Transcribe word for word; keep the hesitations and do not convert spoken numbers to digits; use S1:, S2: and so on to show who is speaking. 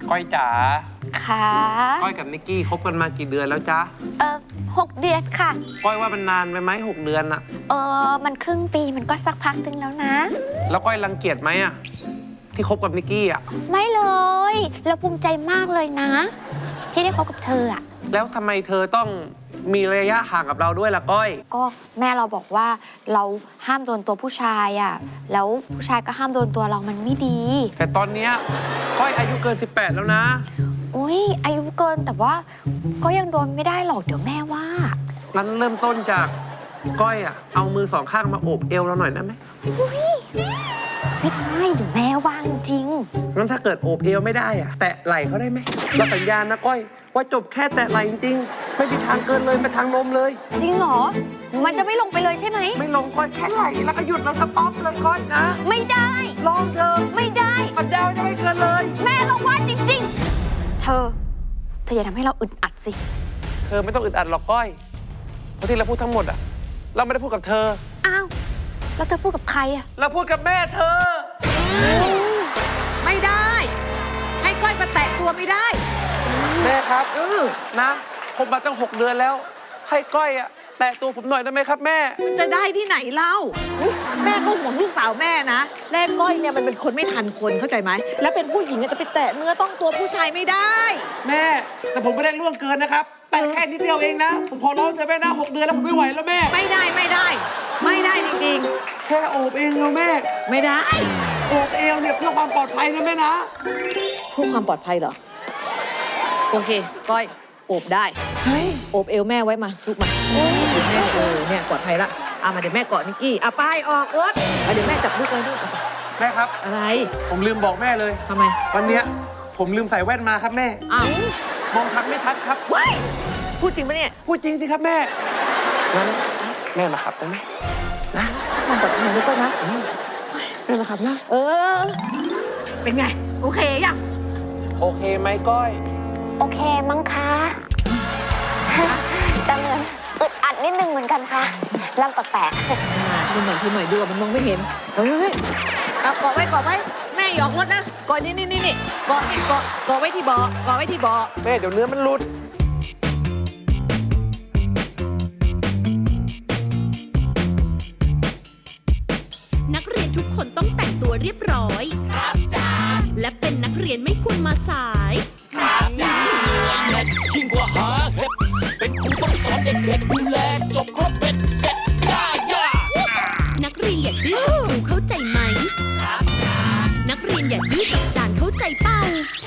S1: ก้อยจ๋า
S2: ค่ะ
S1: ก้อยกับนิกกี้คบกันมากี่เดือนแล้วจ๊ะ
S2: เออหกเดือนค่ะ
S1: ก้อยว่ามันนานไปไหมหกเดือนอะ
S2: เออมันครึ่งปีมันก็สักพักนึงแล้วนะ
S1: แล้วก้อยรังเกียจไหมอะที่คบกับนิกกี้อะ
S2: ไม่เลยเราภูมิใจมากเลยนะที่ได้คบกับเธออะ
S1: แล้วทำไมเธอต้องมีระยะห่างกับเราด้วยล่ะก้อย
S2: ก็แม่เราบอกว่าเราห้ามโดนตัวผู้ชายอ่ะแล้วผู้ชายก็ห้ามโดนตัวเรามันไม่ดี
S1: แต่ตอนเนี้ยก้อยอายุเกินสิบแปดแล้วนะ
S2: อุ้ยอายุเกินแต่ว่าก็ยังโดนไม่ได้หรอกเดี๋ยวแม่ว่า
S1: งั้นเริ่มต้นจากก้อยอ่ะเอามือสองข้างมาโอบเอวเราหน่อยได้ไหม
S2: อุ้ยไม่ได้เดี๋ยวแม่ว่าจริง
S1: งั้นถ้าเกิดโอบเอวไม่ได้อ่ะแตะไหล่เขาได้ไหมเราสัญญาณนะก้อยว่าจบแค่แตะไหล่จริงๆไม่มีทางเกินเลยไปทางนมเลย
S2: จริงเหรอมันจะไม่ลงไปเลยใช่ไหม
S1: ไม่ลงก้อยแค่ไหล่แล้วก็หยุดแล้วสต็อปเลยก้อยนะ
S2: ไม่ได้
S1: ลองเธอ
S2: ไม่ได้
S1: สัญญาจะไม่เกินเลย
S2: แม่เราว่าจริงๆเธอเธออย่าทำให้เราอึดอัดสิ
S1: เธอไม่ต้องอึดอัดหรอกก้อยเพราะที่เราพูดทั้งหมดอ่ะเราไม่ได้พูดกับเธอ
S2: อ้าวแล้วเธอพูดกับใครอ่ะ
S1: เราพูดกับแม่เธอ
S3: ไม่ได้ให้ก้อยมาแตะตัวไม่ได้
S1: แม่ครับเออนะผมมาตั้งหกเดือนแล้วให้ก้อยอะแตะตัวผมหน่อยได้ไหมครับแม่
S3: มันจะได้ที่ไหนเล่าแม่ก็ห่วงลูกสาวแม่นะแรกก้อยเนี่ยมันเป็นคนไม่ทันคนเข้าใจไหมแล้วเป็นผู้หญิงจะไปแตะเนื้อต้องตัวผู้ชายไม่ได้
S1: แม่แต่ผมไม่ได้ล่วงเกินนะครับแต่แค่นิดเดียวเองนะผมขอร้องเธอแม่นะหกเดือนแล้วผมไม่ไหวแล้วแม่
S3: ไม่ได้ไม่ได้ไม่ได้จริง
S1: ๆแค่โอบเองแล้วแม่
S3: ไม่ได้
S1: โอบเอวเนี่ยเพื่อความปลอดภัยนะแม่นะ
S3: เพื่อความปลอดภัยเหรอโอเคก้อยโอบได้โอบเอวแม่ไว้มาลูกมาเดี๋ยวแม่เออเนี่ยปลอดภัยละเอามาเดี๋ยวแม่กอดนิกกี้เอาไปออกรถเดี๋ยวแม่จับลูกไว้ด้วย
S1: แม่ครับ
S3: อะไร
S1: ผมลืมบอกแม่เลย
S3: ทำไม
S1: วันเนี้ยผมลืมใส่แว่นมาครับแม่
S3: อ้าว
S1: มองทักไม่ชัดครับ
S3: ว้ายพูดจริงปะเนี่ย
S1: พูดจริงสิครับแม่งั้นแม่มาขับได้ไหมนะ
S3: มองปลอดภัยด้วยนะ
S1: แม่มาขับนะ
S3: เออเป็นไงโอเคยัง
S1: โอเคไหมก้อย
S2: โอเคมั้งคะแต่เหมือนอึดอัดนิดนึงเหมือนกันค่ะลำแปลก
S3: ๆดูหน่อยดูหน่อยดูมันมองไม่เห็นเฮ้ยเอาเกาะไว้เกาะไว้แม่หยอกรถนะเกาะนี่นี่นี่เกาะเกาะเกาะไว้ที่เบาะเกาะไว้ที่เบาะ
S1: แม่เดี๋ยวเนื้อมันหลุด
S4: นักเรียนทุกคนต้องแต่งตัวเรียบร้อยครับจ้าและเป็นนักเรียนไม่ควรมาสายครับจ้ายิ่งกว่าหาเห็ดเป็นครูต้องสอนเด็กๆดูแลจบครบเป็นเสร็จย่าย่านักเรียนอย่าดื้อกับครูเข้าใจไหมครับจ้านักเรียนอย่าดื้อกับอาจารย์เข้าใจเปล่า